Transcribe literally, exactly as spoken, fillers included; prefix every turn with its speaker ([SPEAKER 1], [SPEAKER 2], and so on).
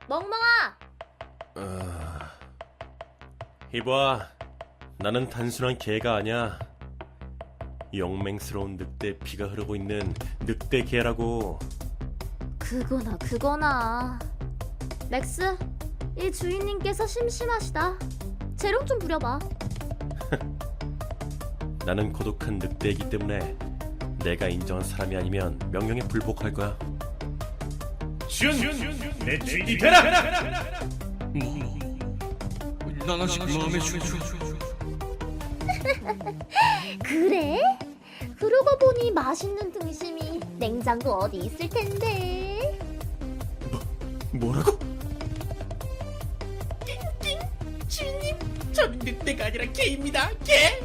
[SPEAKER 1] 멍멍아!
[SPEAKER 2] 어... 이봐, 나는 단순한 개가 아니야. 영맹스러운 늑대의 피가 흐르고 있는 늑대 개라고.
[SPEAKER 1] 그거나 그거나. 렉스, 이 주인님께서 심심하시다. 재롱 좀 부려봐.
[SPEAKER 2] 나는 고독한 늑대이기 때문에 내가 인정한 사람이 아니면 명령에 불복할 거야.
[SPEAKER 3] 준! 내 주인이 되라!
[SPEAKER 4] 뭐, 난 아직 마음에 춤추.
[SPEAKER 1] 그래? 그러고 보니 맛있는 등심이 냉장고 어디 있을 텐데.
[SPEAKER 2] 뭐라고?
[SPEAKER 3] 주인님, 저는 늑대가 아니라 개입니다. 개!